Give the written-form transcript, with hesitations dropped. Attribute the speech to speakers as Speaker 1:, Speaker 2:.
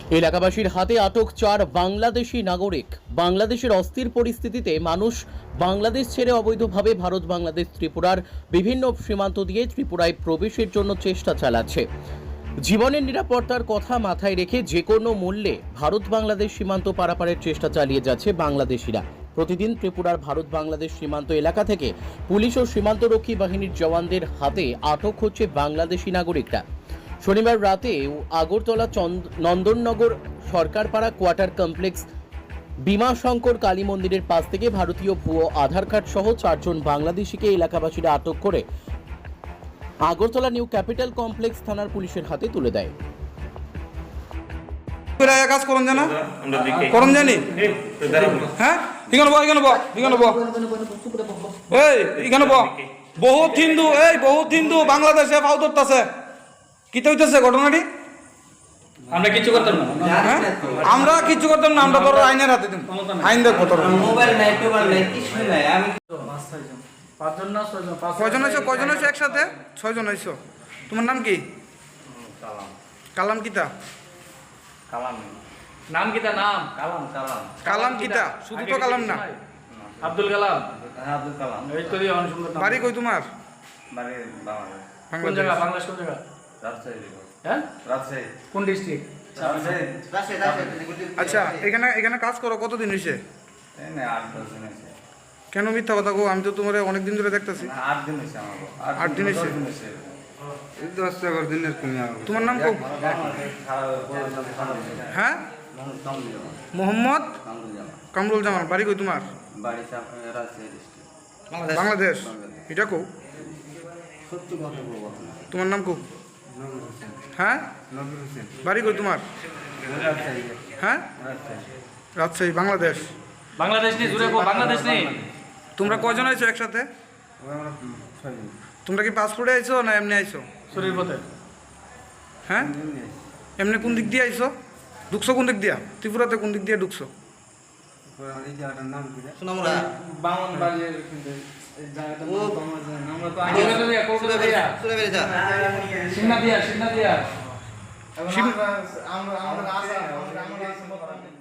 Speaker 1: এলাকাবাসীর হাতে আটক 4 বাংলাদেশি নাগরিক। বাংলাদেশের অস্থির পরিস্থিতিতে মানুষ বাংলাদেশ ছেড়ে অবৈধভাবে ভারত বাংলাদেশ ত্রিপুরার বিভিন্ন সীমান্ত দিয়ে ত্রিপুরায় প্রবেশের জন্য চেষ্টা চালাচ্ছে। জীবনের নিরাপত্তার কথা মাথায় রেখে যে কোনো মূল্যে ভারত বাংলাদেশ সীমান্ত পারাপারের চেষ্টা চালিয়ে যাচ্ছে বাংলাদেশিরা। প্রতিদিন ত্রিপুরার ভারত বাংলাদেশ সীমান্ত এলাকা থেকে পুলিশ ও সীমান্তরক্ষী বাহিনীর জওয়ানদের হাতে আটক হচ্ছে বাংলাদেশি নাগরিকরা। শনিবার রাতে আগরতলা নন্দননগর সরকারপাড়া কোয়ার্টার কমপ্লেক্স বিমাশঙ্কর কালী মন্দিরের পাশ থেকে ভারতীয় ভুয়ো আধার কার্ড সহ 4 জন বাংলাদেশিকে এলাকাবাসীরা আটক করে আগরতলা নিউ ক্যাপিটাল কমপ্লেক্স থানার পুলিশের হাতে তুলে দেয়।
Speaker 2: কাজ করুন জানা করুন জানি হ্যাঁ এখানে বহ এখানে বহ এখানে বহ এখানে বহ বহুত হিন্দু বাংলাদেশে পাও ধরতেছে কি হইতেছে ঘটনাটি।
Speaker 3: আমরা কিছু করতাম না,
Speaker 2: আমরা কিছু করতাম না, আমরা বড় আইনের হাতে দিন। আইন দেখবো তোর
Speaker 4: মোবাইল নাই টোবাইল নাই কিছু নাই। আমি
Speaker 2: কয়জন আইছো একসাথে? 6 জন আইছো। তোমার নাম কি? কালাম কিতা?
Speaker 3: নাম কিতা? নাম
Speaker 2: কালাম কিতা? শুধু তো কালাম না,
Speaker 3: আব্দুল কালাম।
Speaker 4: আব্দুল কালাম।
Speaker 3: এই তো দিয়ে অনুসন্ধান।
Speaker 2: বাড়ি কই তোমার?
Speaker 4: বাড়ি বাংলাদেশ।
Speaker 3: কোন জায়গা? বাংলাদেশ কোন জায়গা?
Speaker 4: রাজশাহী।
Speaker 3: হ্যাঁ,
Speaker 4: রাজশাহী।
Speaker 3: কোন ডিস্ট্রিক্ট?
Speaker 4: রাজশাহী।
Speaker 2: আচ্ছা, এখানে কাজ করো কতদিন হয়েছে?
Speaker 4: এই না 8-10 দিন হইছে।
Speaker 2: কেন মিথ্যা কথা গো? আমি তো তোমার অনেক দিন ধরে দেখতেছি।
Speaker 4: 8 দিন হইছে আমার।
Speaker 2: 8 দিন হইছে।
Speaker 4: এই 10-11 দিনের কমই আর।
Speaker 2: তোমার নাম কো? হ্যাঁ, মোহাম্মদ কামরুল জামান। বাড়ি কই তোমার?
Speaker 4: বাড়ি রাজশাহী ডিস্ট্রিক্ট।
Speaker 2: বাংলাদেশ। এটা কো?
Speaker 4: সত্যি কথা বলবো।
Speaker 2: তোমার নাম কো? হ্যাঁ,
Speaker 4: নবীর হোসেন।
Speaker 2: বাড়ি কই তোমার?
Speaker 4: রাজশাহী।
Speaker 2: হ্যাঁ, রাজশাহী। বাংলাদেশ।
Speaker 3: বাংলাদেশ নেই, জুড়ে কো বাংলাদেশ নেই।
Speaker 2: তোমরা কয়জন আইছো একসাথে?
Speaker 4: আমরা 6 জন।
Speaker 2: তোমরা কি পাসপোর্টে আইছো না এমনি আইছো?
Speaker 3: শরীর পথে।
Speaker 2: হ্যাঁ, এমনি কোন দিক দিয়ে আইছো? ঢুকছো কোন দিক দিয়া? ত্রিপুরাতে কোন দিক দিয়ে ঢুকছো?
Speaker 4: এই জায়গাটার নাম কি?
Speaker 5: সোনামুড়া
Speaker 3: বামন বাড়ির কিন্তু এই জায়গাটা
Speaker 5: ও
Speaker 3: আমরা তো আগে দিয়া কোলকাতা দিয়া
Speaker 5: সুরেবেরে যা
Speaker 3: সিন্না দিয়া
Speaker 2: শিব-
Speaker 3: আমরা আসা আমরা